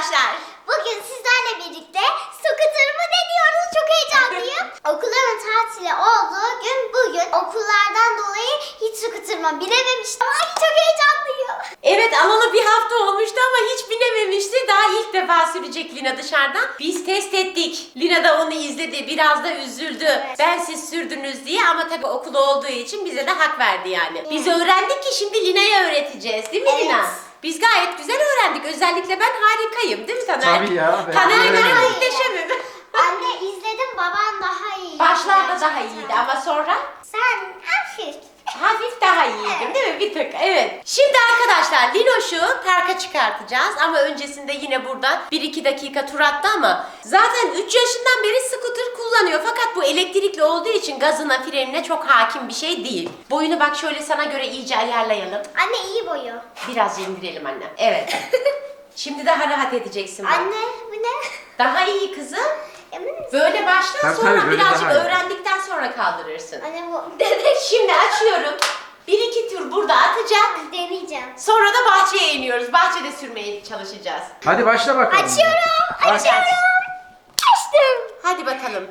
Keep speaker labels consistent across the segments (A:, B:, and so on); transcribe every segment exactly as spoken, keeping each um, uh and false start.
A: arkadaşlar.
B: Bugün sizlerle birlikte skuterımı deniyoruz. Çok heyecanlıyım. Okulların tatili olduğu gün bugün. Okullardan dolayı hiç skuterıma binememiştim. Ay çok heyecanlıyım.
A: Evet, alalı bir hafta olmuştu ama hiç binememişti. Daha ilk defa sürecek Lina dışarıdan. Biz test ettik. Lina da onu izledi. Biraz da üzüldü.
B: Evet.
A: Ben siz sürdünüz diye ama tabii okul olduğu için bize de hak verdi yani. Biz öğrendik ki şimdi Lina'ya öğreteceğiz. Değil mi
B: Evet.
A: Lina? Biz gayet güzel öğrendik. Özellikle ben harikayım. Değil mi Taner?
C: Tabii ya, ben
A: Taner'e göre
C: öğrendim.
A: muhteşemim.
B: Anne izledim, baban daha iyi.
A: Başlarda daha iyiydi ama sonra
B: Sen hafif.
A: hafif daha iyiydim değil mi? Bir tık. Evet. Şimdi arkadaşlar Linoş'u parka çıkartacağız ama öncesinde yine burada bir iki dakika tur attı ama zaten üç yaşından beri scooter kullanıyor. Fakat bu elektrikli olduğu için gazına, frenine çok hakim bir şey değil. Boyunu bak şöyle sana göre iyice ayarlayalım.
B: Anne iyi boyu.
A: Biraz indirelim anne. Evet. Şimdi daha rahat edeceksin bak.
B: Anne bu ne?
A: Daha iyi kızım.
B: Emin misin?
A: Böyle başla
C: Tabii,
A: sonra
C: tabii, böyle
A: birazcık
C: daha iyi.
A: öğrendikten sonra kaldırırsın.
B: Anne bu.
A: Evet, şimdi açıyorum. Bir iki tur burada atacak.
B: Deneyeceğim.
A: Sonra da bahçeye iniyoruz. Bahçede sürmeye çalışacağız.
C: Hadi başla bakalım.
B: Açıyorum.
C: Aç.
B: Açıyorum. Açtım.
A: Hadi bakalım.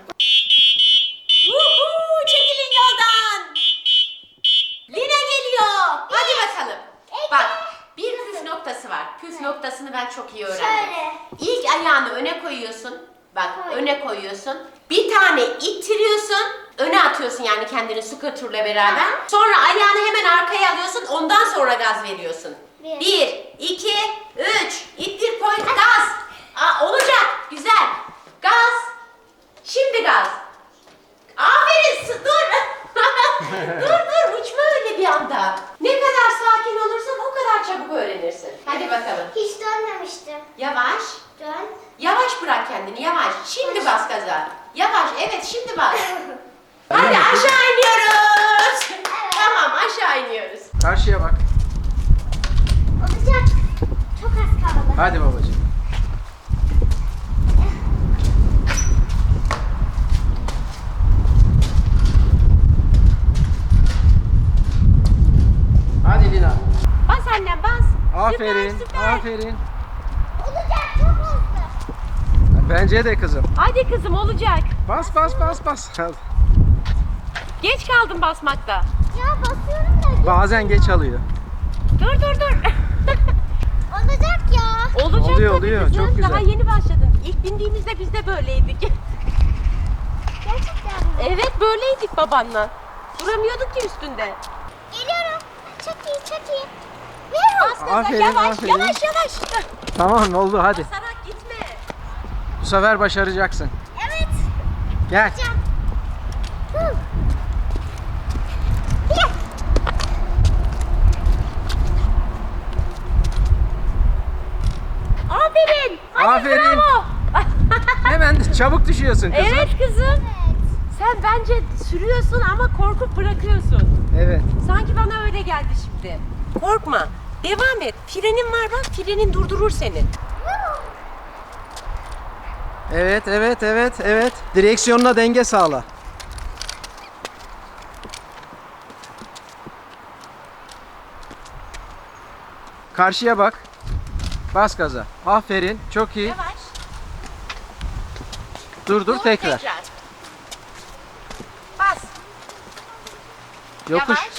A: Vuhuu, çekilin yoldan. Lina geliyor. Hadi bakalım. Bak, bir püf noktası var. Püf noktasını ben çok iyi öğrendim.
B: Şöyle.
A: İlk ayağını öne koyuyorsun. Bak,
B: Koy.
A: öne koyuyorsun. Bir tane ittiriyorsun. Öne atıyorsun yani kendini scooter'la beraber. Sonra ayağını hemen arkaya alıyorsun. Ondan sonra gaz veriyorsun.
B: Bir.
A: Bir, iki, üç. İttir, koy, gaz. Aa, olacak. Güzel. Gaz. Şimdi gaz. Aferin. s- Dur. dur dur. Uçma öyle bir anda. Ne kadar sakin olursan o kadar çabuk öğrenirsin. Hadi bakalım.
B: Hiç dönmemiştim.
A: Yavaş.
B: Dön.
A: Yavaş bırak kendini, yavaş. Şimdi bas gaza. Yavaş, evet şimdi bas.
C: Tamam,
A: Hadi
C: kızım.
A: aşağı iniyoruz. Tamam, aşağı iniyoruz.
C: Karşıya bak.
B: Olacak. Çok az kaldı.
C: Hadi babacığım. Hadi Lina.
A: Bas annem, bas.
C: Aferin.
A: Süper, süper.
C: Aferin.
B: Olacak çok hızlı.
C: Bence de kızım.
A: Hadi kızım, olacak.
C: Bas bas bas bas.
A: Geç kaldım basmakta.
B: Ya basıyorum da.
C: Bazen geç alıyor.
A: Dur dur dur.
B: Olacak ya.
A: Olacak
C: Oluyor,
A: tabii
C: oluyor.
A: kızım.
C: Çok güzel.
A: Daha yeni başladın. İlk bindiğimizde biz de böyleydik.
B: Gerçekten mi?
A: Evet, böyleydik babanla. Duramıyorduk ki üstünde.
B: Geliyorum. Çok iyi çok iyi.
A: Bas gaza,
C: Aferin,
A: yavaş,
C: aferin.
A: yavaş yavaş.
C: Tamam oldu hadi.
A: Basarak gitme.
C: Bu sefer başaracaksın.
B: Evet.
C: Gel.
B: Hocam. Hı. Gel.
A: Aferin. Hadi
C: Aferin.
A: bravo.
C: Hemen çabuk düşüyorsun kızım.
A: Evet kızım.
B: Evet.
A: Sen bence sürüyorsun ama korkup bırakıyorsun.
C: Evet.
A: Sanki bana öyle geldi şimdi. Korkma. Devam et. Frenin var bak. Frenin durdurur seni.
C: Evet, evet, evet, evet. Direksiyonuna denge sağla. Karşıya bak. Bas gaza. Aferin. Çok iyi.
A: Yavaş.
C: Dur dur tekrar.
A: Bas.
C: Yokuş.
A: Yavaş.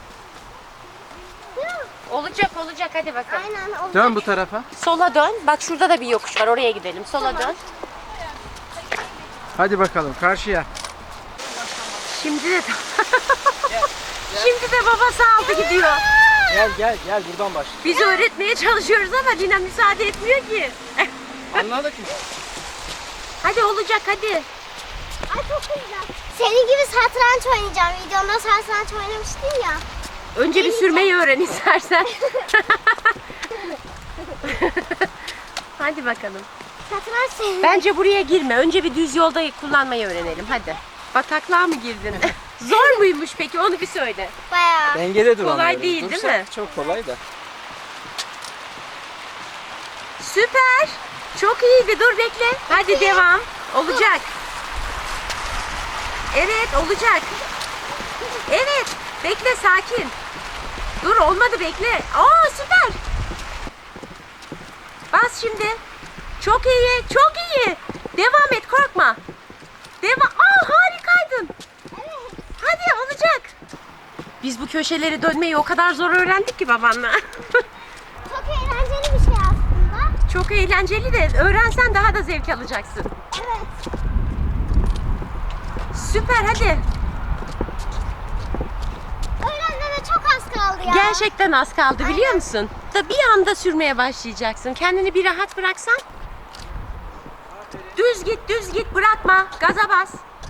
A: Olacak olacak hadi bakalım.
B: Aynen olacak.
C: Dön bu tarafa.
A: Sola dön. Bak şurada da bir yokuş var. Oraya gidelim. Sola dön.
C: Hadi bakalım karşıya.
A: Şimdi de Şimdi de babası aldı gidiyor.
C: Gel gel gel buradan başla.
A: Biz öğretmeye çalışıyoruz ama Lina müsaade etmiyor ki.
C: Anladık mı?
A: Hadi olacak hadi.
B: Ay çok güzel. Senin gibi satranç oynayacağım. Videomda satranç oynamıştın ya.
A: Önce bir sürmeyi öğren istersen. Hadi bakalım.
B: Satranç senin.
A: Bence buraya girme. Önce bir düz yolda kullanmayı öğrenelim. Hadi. Bataklığa mı girdin? Zor muymuş peki? Onu bir söyle.
B: Bayağı.
C: Dengede dur.
A: Kolay
C: ama
A: değil,
C: dursa
A: değil mi?
C: Çok kolay da.
A: Süper. Çok iyiydi. Dur bekle. Hadi devam. Olacak. Evet olacak. Evet. Bekle sakin. Dur olmadı bekle. Aa süper. Bas şimdi. Çok iyi, çok iyi. Devam et, korkma. Devam. Aa, harikaydın.
B: Evet.
A: Hadi, olacak. Biz bu köşeleri dönmeyi o kadar zor öğrendik ki babanla.
B: Çok eğlenceli bir şey aslında.
A: Çok eğlenceli de öğrensen daha da zevk alacaksın.
B: Evet.
A: Süper, hadi.
B: Öğrenmeme çok az kaldı ya.
A: Gerçekten az kaldı, biliyor musun? Da bir anda sürmeye başlayacaksın. Kendini bir rahat bıraksan. Düz git, düz git, bırakma. Gaza bas.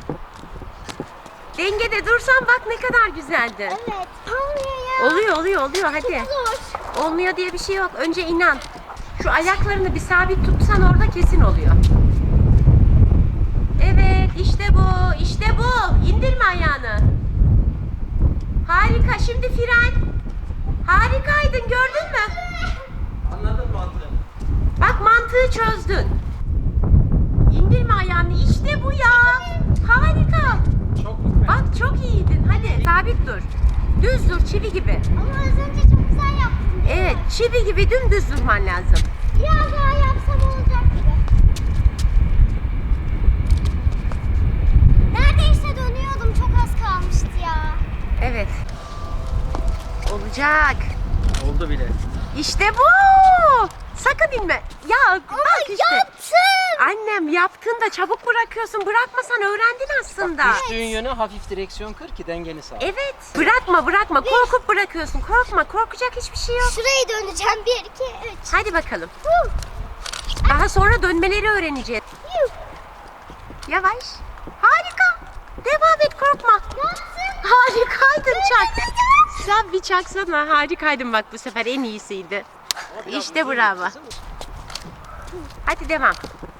A: Dengede dursan bak ne kadar güzeldi.
B: Evet. Olmuyor ya.
A: Oluyor, oluyor, oluyor. Hadi.
B: Zor.
A: Olmuyor diye bir şey yok. Önce inan. Şu ayaklarını bir sabit tutsan orada kesin oluyor. Evet, işte bu, işte bu. İndirme ayağını. Harika, şimdi fren. Harikaydın, gördün mü?
C: Anladın mantığını.
A: Bak, mantığı çözdün. İndirme ayağını, işte bu ya. Harika.
C: Çok mu?
A: Bak, çok iyiydin. Hadi, sabit dur. Düz dur, çivi gibi.
B: Ama az önce çok güzel yaptın.
A: Evet, çivi gibi dümdüz durman lazım.
B: Biraz daha yapsam olacak gibi. Neredeyse dönüyordum. Çok az kalmıştı ya.
A: Evet. Olacak.
C: Oldu bile.
A: İşte bu. Sakın inme. Ya bak işte.
B: Yaptım.
A: Annem yaptın da çabuk bırakıyorsun. Bırakmasan öğrendin aslında.
C: Düştüğün yöne hafif direksiyon kır ki dengeni sağla.
A: Evet. Bırakma bırakma. Korkup bırakıyorsun. Korkma. Korkacak hiçbir şey yok.
B: Şurayı döneceğim. Bir, iki, üç.
A: Hadi bakalım.
B: Huh.
A: Daha sonra dönmeleri öğreneceğiz.
B: Yuh.
A: Yavaş. Harika. Devam et, korkma.
B: Yaptım.
A: Harikaydın, çak. Sen bir çaksana. Harikaydın bak, bu sefer en iyisiydi. İşte bravo. Hadi devam.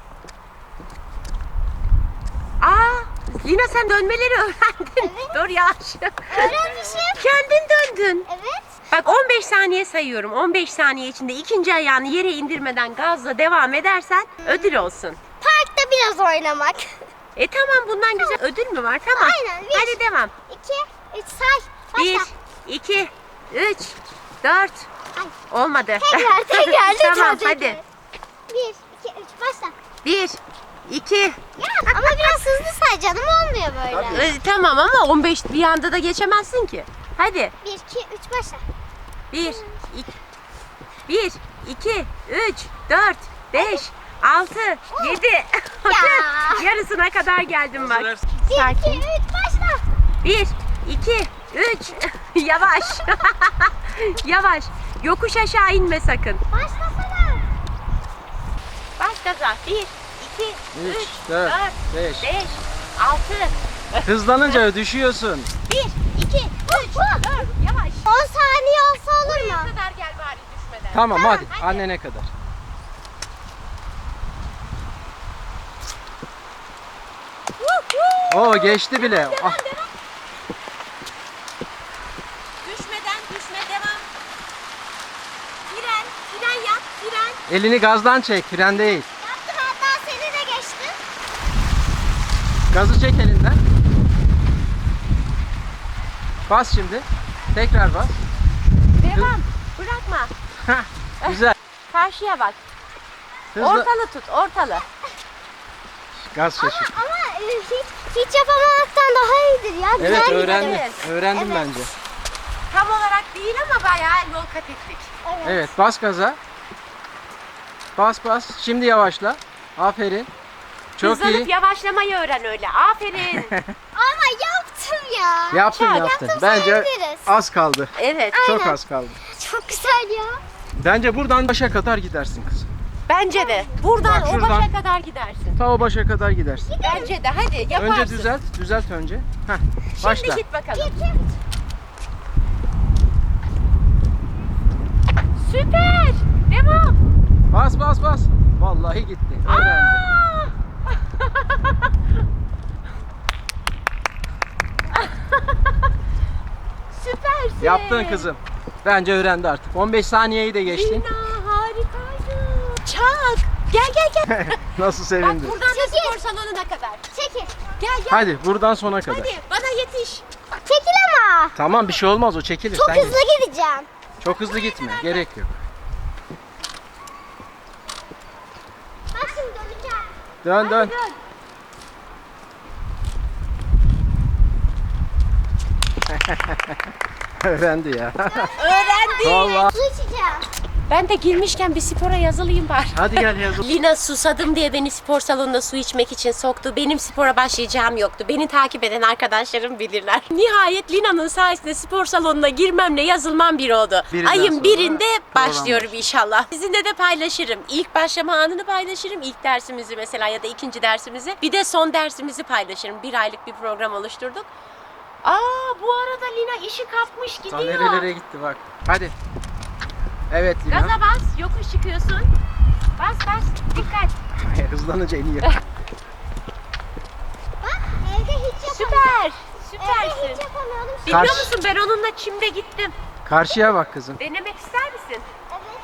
A: Aa, Lina sen dönmeleri öğrendin.
B: Evet.
A: Dur yavaş.
B: Öğrenmişim.
A: Kendin döndün.
B: Evet.
A: Bak, on beş saniye sayıyorum. on beş saniye içinde ikinci ayağını yere indirmeden gazla devam edersen ödül olsun.
B: Parkta biraz oynamak.
A: E tamam, bundan güzel ödül mü var? Tamam.
B: Aynen, bir.
A: Hadi devam.
B: İki, üç say. Başla.
A: Bir, iki, üç, dört.
B: Ay.
A: Olmadı.
B: Tekrar, tekrar, lütfen,
A: Tamam,
B: tekrar.
A: hadi.
B: Bir, iki, üç, başla.
A: Bir, iki.
B: Ya ama biraz hızlı say canım, olmuyor böyle.
C: Tabii.
A: E, tamam ama on beş bir anda da geçemezsin ki. Hadi.
B: Bir, iki, üç, başla.
A: Bir, iki, bir, iki, üç, dört, beş, altı, yedi. Yarısına kadar geldim bak.
C: Hazır.
B: Bir,
A: Sakin.
B: iki, üç, başla.
A: Bir, iki, üç. Yavaş. Yavaş. Yokuş aşağı inme sakın.
B: Başlasana.
A: Bas gaza. Bir, iki,
C: Üç,
A: üç,
C: dört,
A: dört,
C: beş.
A: beş, altı.
C: Hızlanınca düşüyorsun.
A: Bir, iki, üç, dört. Yavaş.
B: on saniye olsa olur
A: Buraya
B: mu?
A: kadar gel bari düşmeden.
C: Tamam, hadi.
A: hadi.
C: Annene kadar. Oo, geçti bile. Ah,
A: Düşmeden düşme, devam. Fren, fren yap, fren.
C: elini gazdan çek, fren değil.
B: Yaptım, hatta seni de geçtim.
C: Gazı çek elinden. Bas şimdi. Tekrar bas.
A: Devam. Bırakma.
C: Hah, güzel.
A: Karşıya bak.
C: Hızlı.
A: Ortalı tut, ortalı.
C: Gaz
B: Ama,
C: şaşır.
B: ama e, hiç, hiç yapamamaktan daha iyidir ya. Güzel
C: Evet,
B: gidelim.
C: öğrendim.
A: Evet.
C: Öğrendim
B: Evet.
C: bence.
A: Tam olarak değil ama bayağı yol kat ettik.
B: Evet.
C: Evet, bas gaza. Bas bas. Şimdi yavaşla. Aferin. Çok
A: Hızlanıp
C: iyi.
A: yavaşlamayı öğren öyle. Aferin.
B: Ama yaptım ya.
C: Yaptın
A: Çak.
C: yaptın.
B: Yaptım,
C: Bence
B: sayabiliriz.
C: az kaldı.
A: Evet.
C: Çok
B: Aynen.
C: az kaldı.
B: Çok güzel ya.
C: Bence buradan başa kadar gidersin kızım.
A: Bence de. Buradan
C: Bak,
A: o
C: şuradan.
A: başa kadar gidersin.
C: Ta o başa kadar gidersin.
A: Bence de. Hadi yaparsın.
C: Önce düzelt, düzelt önce. Heh,
A: Şimdi
C: başla.
A: git bakalım.
B: İki, üç.
A: Süper. Devam.
C: Bas bas bas. Vallahi gitti. Öğrendi.
A: Aa! Süpersin.
C: Yaptın kızım. Bence öğrendi artık. on beş saniyeyi de geçtin.
A: Lina harikaydın. Çak. Gel gel gel.
C: Nasıl
A: Bak
C: sevindin?
A: buradan da
B: Çekil.
A: spor salonuna kadar.
B: Çekil.
A: Gel gel.
C: Hadi buradan sona kadar.
A: Hadi bana yetiş.
B: Çekil ama.
C: Tamam, bir şey olmaz, o çekilir.
B: Çok
C: Sen
B: hızlı
C: git.
B: gideceğim.
C: Çok hızlı gitme. Gerek yok.
B: Bak
C: Dön dön.
A: Hadi
C: Öğrendi ya.
A: Öğrendi.
C: Vallahi.
B: Su içeceğim.
A: Ben de girmişken bir spora yazılayım bari.
C: Hadi gel yazıl.
A: Lina susadım diye beni spor salonuna su içmek için soktu. Benim spora başlayacağım yoktu. Beni takip eden arkadaşlarım bilirler. Nihayet Lina'nın sayesinde spor salonuna girmemle yazılmam bir oldu.
C: Birinden
A: Ayın
C: sonra
A: birinde
C: program
A: başlıyorum
C: başlıyor.
A: inşallah. Sizinle de paylaşırım. İlk başlama anını paylaşırım. İlk dersimizi mesela ya da ikinci dersimizi. Bir de son dersimizi paylaşırım. Bir aylık bir program oluşturduk. Aa bu arada Lina işi kapmış
C: Ta
A: gidiyor.
C: nerelere gitti bak. Hadi. Evet Lina.
A: Gaza bas, yokuş çıkıyorsun. Bas bas, dikkat.
C: Hızlanınca iniyor.
B: Bak evde hiç yapamıyorum.
A: Süper,
B: Evde
A: süpersin.
B: hiç yapamıyordum.
A: Biliyor
C: Karşı-
A: musun ben onunla çimde gittim.
C: Karşıya bak kızım.
A: Denemek ister misin?
B: Evet.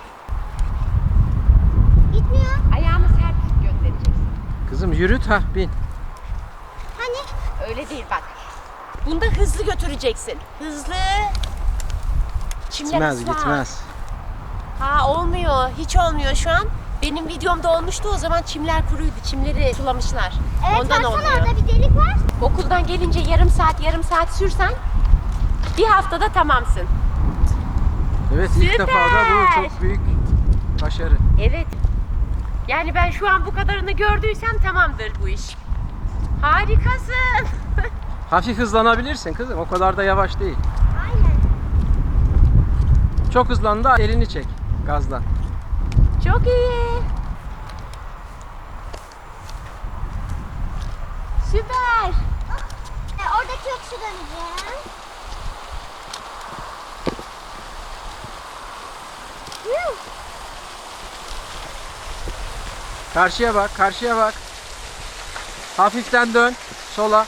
B: Gitmiyor.
A: Ayağını sert göndereceksin.
C: Kızım yürüt ha bin.
B: Hani?
A: Öyle değil bak. Bunda hızlı götüreceksin. Hızlı. Çimler
C: Gitmez
A: ıslak.
C: gitmez.
A: Ha olmuyor. Hiç olmuyor şu an. Benim videomda olmuştu o zaman çimler kuruydu. Çimleri sulamışlar.
B: Evet
A: Ondan
B: baksana
A: olmuyor.
B: orada bir delik var.
A: Okuldan gelince yarım saat yarım saat sürsen bir haftada tamamsın.
C: Evet ilk
A: Süper.
C: defa da bu çok büyük başarı.
A: Evet. Yani ben şu an bu kadarını gördüysem tamamdır bu iş. Harikasın.
C: Hafif hızlanabilirsin kızım. O kadar da yavaş değil.
B: Aynen.
C: Çok hızlandı elini çek gazdan.
A: Çok iyi. Süper.
B: E, oradaki yokuşu döneceğim. Yuh.
C: Karşıya bak, karşıya bak. Hafiften dön sola.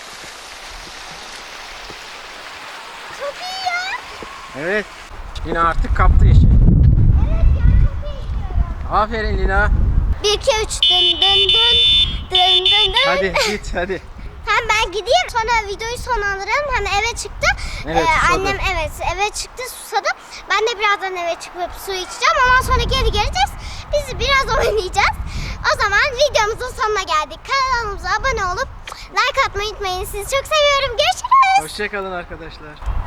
B: Çok iyi ya.
C: Evet. Lina artık kaptı işi.
B: Evet ya çok iyi gidiyorum.
C: Aferin Lina.
B: Bir, iki, üç. Dın dın dın. Dın dın dın.
C: Hadi git hadi.
B: Hem ben gideyim sonra videoyu sonlandıralım. Hem eve çıktı.
C: Evet,
B: Ee,
C: susadı.
B: annem evet eve çıktı susadı. Ben de birazdan eve çıkıp su içeceğim. Ondan sonra geri geleceğiz. Biz biraz oynayacağız. O zaman videomuzun sonuna geldik. Kanalımıza abone olup like atmayı unutmayın. Sizi çok seviyorum. Görüşürüz.
C: Hoşça kalın arkadaşlar.